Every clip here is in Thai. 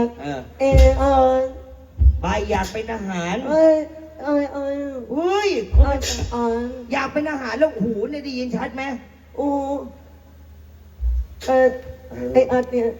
เออใบอยากเป็นทหารเฮ้ยคนอยากเป็นทหารแล้วหูเนี่ยได้ยินชัดไหมไอ้อัดเนี่ย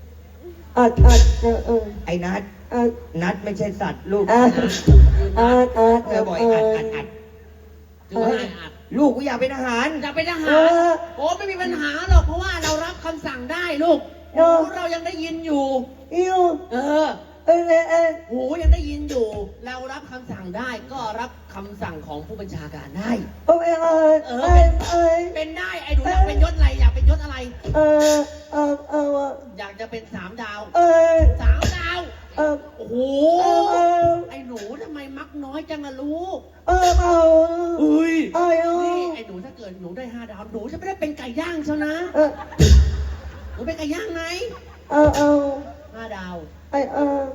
ไอ้นัดไม่ใช่สัตว์ลูกเธอบอกอัดลูกกูอยากเป็นทหารอยากเป็นทหารโอ้ไม่มีปัญหาหรอกเพราะว่าเรารับคำสั่งได้ลูกเรายังได้ยินอยู่หูยังได้ยินอยู่เรารับคำสั่งได้ก็รับคำสั่งของผู้บัญชาการได้เป็นได้ไอ้หนูอยากเป็นยศอะไรอยากเป็นยศอะไรอยากจะเป็น3 ดาว3 ดาวโอ้โหไอ้หนูทำไมมักน้อยจังล่ะลูกนี่ไอ้หนูถ้าเกิดหนูได้5 ดาวหนูจะไม่ได้เป็นไก่ย่างเชียวนะหนูเป็นไก่ย่างไหม5 ดาวไอ้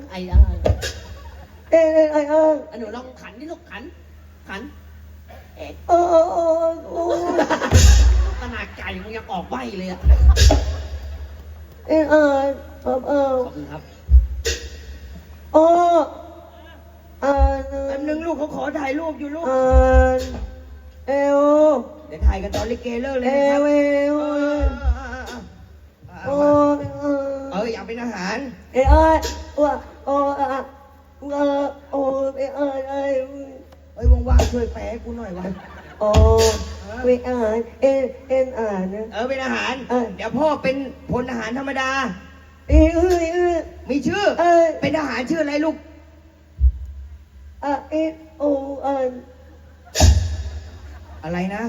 หนูลองขันนี่ลูกขันขนาดไก่มันยังออกใบเลยอ่ะขอบคุณครับแป๊บนึงลูกเขาขอถ่ายรูปอยู่ลูกเดี๋ยวถ่ายกันตอนลิเกเลิกเลยนะครับอยากเป็นทหารว่างๆช่วยแปลกูหน่อยวะเป็นอาหารเป็นอาหารเดี๋ยวพ่อเป็นพลทหารธรรมดามีชื่อเป็นทหารชื่ออะไรลูกอะไรนะ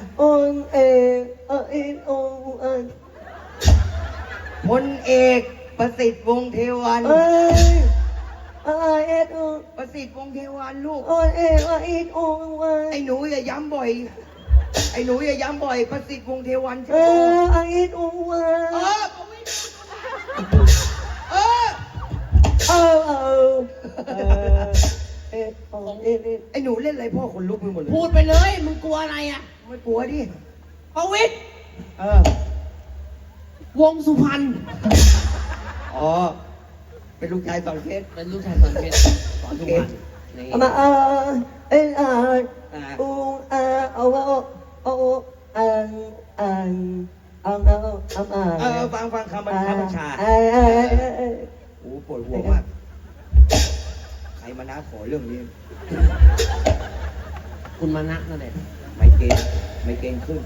พลเอกประสิทธิ์วงศ์เทวันประสิทธิ์วงศ์เทวันลูกไอ้หนูอย่าย้ำบ่อยประสิทธิ์วงศ์เทวันใช่ไหมไอ้หนูเล่นอะไรพ่อขนลุกไปหมดเลยพูดไปเลยมึงกลัวอะไรอ่ะไม่กลัวดิประวิตรวงสุพรรณเป็นลูกชายสอนเพชรเป็นลูกชายสอนเพชรสอนสุพรรณฟังคำบัญชาโอ้ปวดหัวมากใครมานะขอเรื่องนี้คุณมานะนั่นแหละไม่เกณฑ์ขึ้น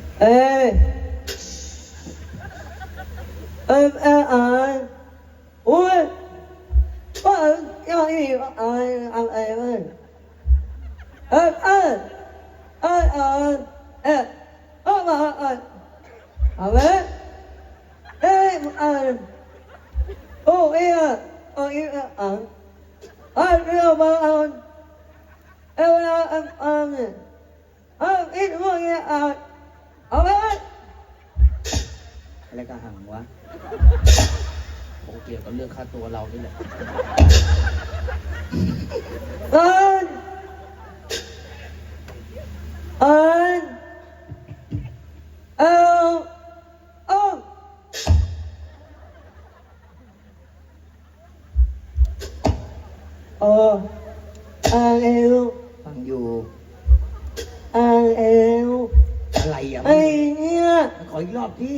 อะไรกระหังวะคงเกี่ยวกับเรื่องค่าตัวเรานี่แหละฟังอยู่อะไรอ่ะเนี่ยขออีกรอบที่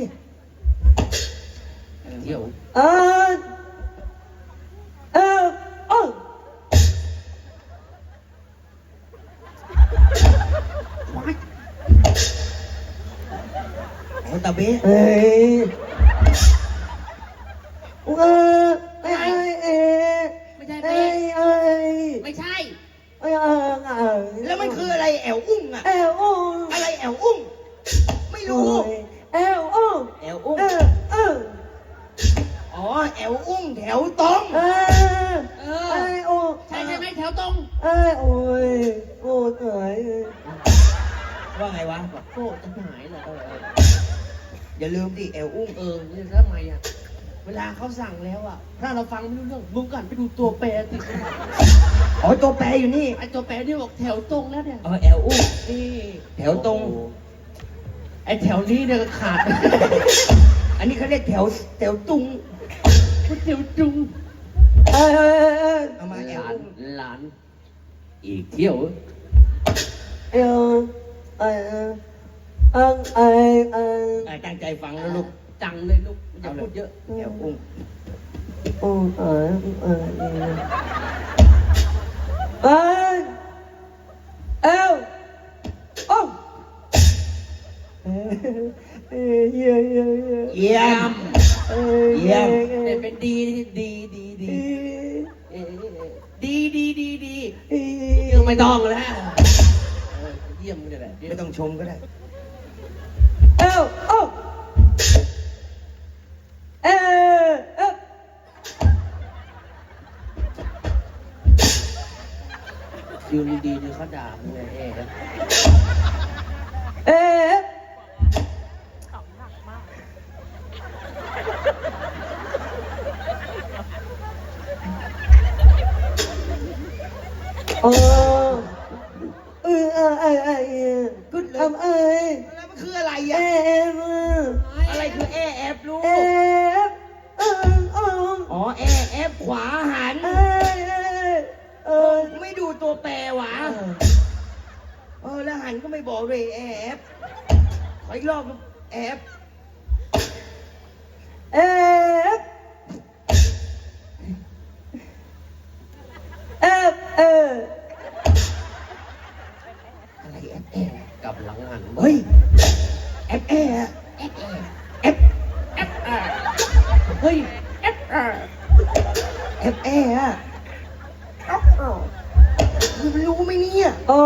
เดี๋ยวตาเบ้ไม่ใช่แล้วมันคืออะไรแอวอุ้งอะอะไรแอวอุ้งไม่รู้แอวอุ้งแอวอุ้งแถวตรงใช่ไหมแถวตรงว่าไงวะโก้จะหายเหรออย่าลืมดิแอวอุ้งนี่ทำไมอ่ะเวลาเขาสั่งแล้วอ่ะถ้าเราฟังไม่รู้เรื่องมึงก่อนไปดูตัวแปรสิตัวแปรอยู่นี่ไอตัวแปรที่บอกแถวตรงแล้วเนี่ยแอวอุ้งนี่แถวตรงไอแถวนี้เนี่ยขาดอันนี้เขาเรียกแถวตุงแถวจุงเอามาแอหบลานหลาน อีกเที่ยวตั้งใจฟังนะลูกจังเลยลูกอย่าพูดเยอะแอวอุ้ง เยี่ยม เยี่ยมเป็นดีดีดีดีดีดีดีดียังไม่ต้องแล้วเยี่ยมเลยแหละไม่ต้องชมก็ได้ยืนดีๆเขาด่ามึงไงก็เลยแล้วมันคืออะไรอ่ะอะไรคือแอฟลูกอ๋อแอฟขวาหันไม่ดูตัวแปรวะแล้วหันก็ไม่บอกเลยแอฟขออีกรอบลูกแอฟอะไรแอฟกลับหลังหันเฮ้ยแอฟแอฟเฮ้ยแอฟอะคุณรู้ไหมเนี่ย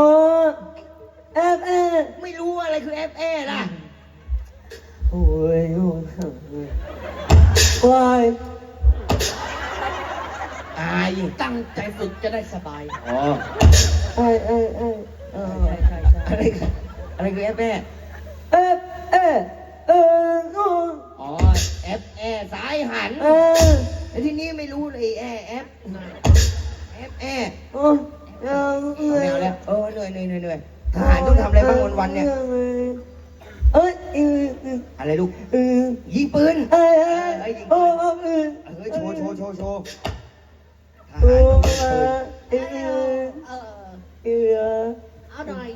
ไม่รู้อะไรคือแอฟล่ะอายตั้งใจฝึกจะได้สบายอ๋อใช่ใช่ใช่อะไรคือแอฟอ๋อแอฟสายหันแล้วที่นี่ไม่รู้เลยแอฟไม่เอาแล้วเหนื่อยทหารต้องทำอะไรบ้างวันๆเนี่ยอะไรลูกยิงปืนยิงปืนโชว์ทหารต้องยิงปืนเอาหน่อย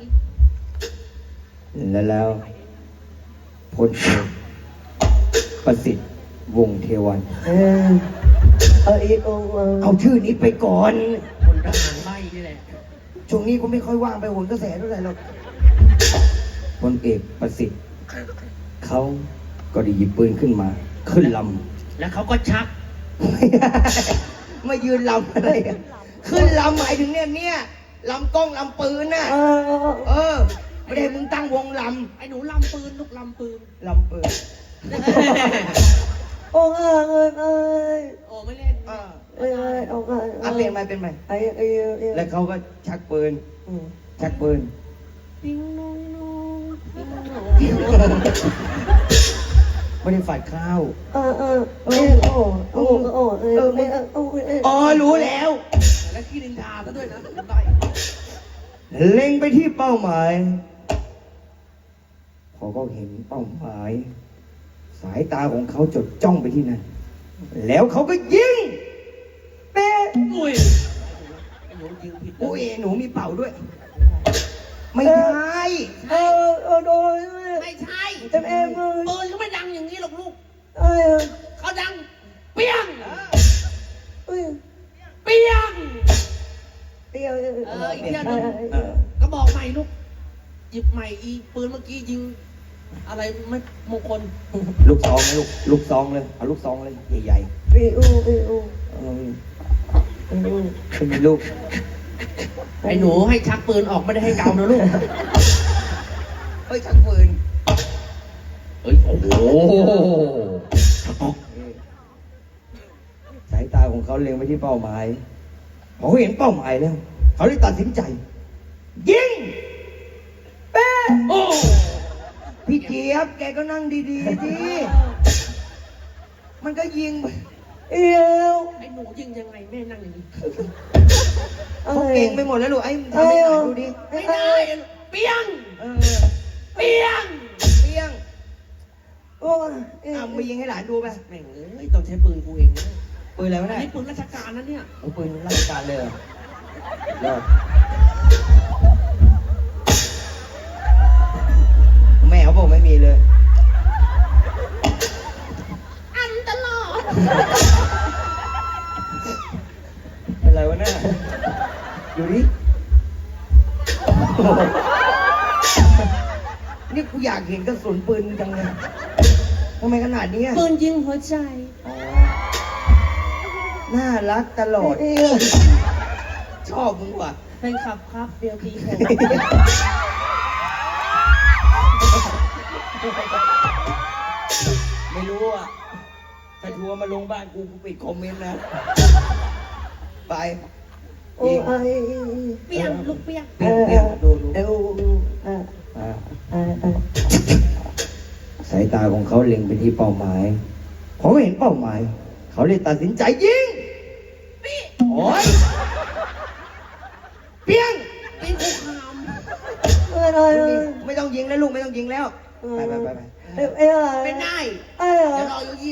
แล้วพลเอกประสิทธิ์วงศ์เทวันเอาชื่อนี้ไปก่อนคนทหารไล่นี่แหละช่วงนี้ก็ไม่ค่อยว่างไปโหนกระแสเท่าไหร่หรอกพลเอกประสิทธิ์เขาก็ได้หยิบปืนขึ้นมาขึ้นลำแล้วเขาก็ชักไม่ยืนลำอะไรอะขึ้นลำหมายถึงเนี่ยลำกล้องลำปืนน่ะไม่ได้มึงตั้งวงลไอ้หนูลำปืนลูกลำปืนำลำปืนโอ้ไม่เล่นเปลี่ยนไปแล้วเขาก็ชักปืนติ้งน้องน้องติ้งน้องไม่ได้ฝัดข้าว รู้แล้วแล้วขี้ดินทาซะด้วยนะได้เล็งไปที่เป้าหมายพอเขาเห็นเป้าหมาย สายตาของเขาจดจ้องไปที่นั่นแล้วเขาก็ยิงเป๊ะอุ้ยไอ้หนูยิงผิดโอ้ยหนูมีเป่าด้วย ไม่ใช่ไม่ใช่ปืนก็ไม่ดังอย่างนี้หรอกลูกเขาดังเปี้ยงเปี้ยงอีกเที่ยวนึงก็บอกใหม่ลูกหยิบใหม่อีปืนเมื่อกี้ยิงอะไรไม่มงคลลูกซองเลยลูกซองเลยเอาลูกซองเลยใหญ่ๆเป็นลูกไอ้หนูให้ชักปืนออกไม่ได้ให้เกานะลูกเฮ้ยชักปืนเฮ้ยโอ้โหสายตาของเขาเล็งไปที่เป้าหมายพอเขาเห็นเป้าหมายแล้วเขาเลยตัดสินใจ ยิงเป๊ะโอ้พี่เจี๊ยบแกก็นั่งดีๆสิมันก็ยิงไปไอ้หนูยิงยังไงแม่นั่งอย่างนี้เขาเก่งไปหมดแล้วลูกไอ้ทำให้หน่อยดูดิไม่ได้เปี้ยง เปี้ยงเปี้ยงมายิงให้หลานดูไปแม่งเอ้ยต้องใช้ปืนกูเองนะปืนอะไรวะอันเนี่ยนี้ปืนราชการนะเนี่ยเอาปืนราชการเลยเหรอยอดแม่เขาบอกไม่มีเลยอันตลอดเป็นไรวะเนี่ยอยู่ดินี่กูอยากเห็นกระสุนปืนจังเลยทำไมขนาดนี้อะปืนยิงหัวใจอ๋อน่ารักตลอด ชอบมึงว่ะเป็นขับครับเดียวทีผมไม่รู้อ่ะ ถ้าทัวร์มาลงบ้านกูปิดคอมเมนต์นะ ไปโอ้ยเปี้ยงลูกเปี้ยงเปรี้ยวๆดูดูเอวอ่าอ่าอ่าสายตาของเขาเล็งไปที่เป้าหมายเขาเห็นเป้าหมาย เขาเลยตัดสินใจยิงโอ้ยเปี้ยงเป็นคุกคามไม่ต้องยิงแล้วลูกไม่ต้องยิงแล้ว ไปเอ้ยเป็นได้เอ้ยเดี๋ยวรออยู่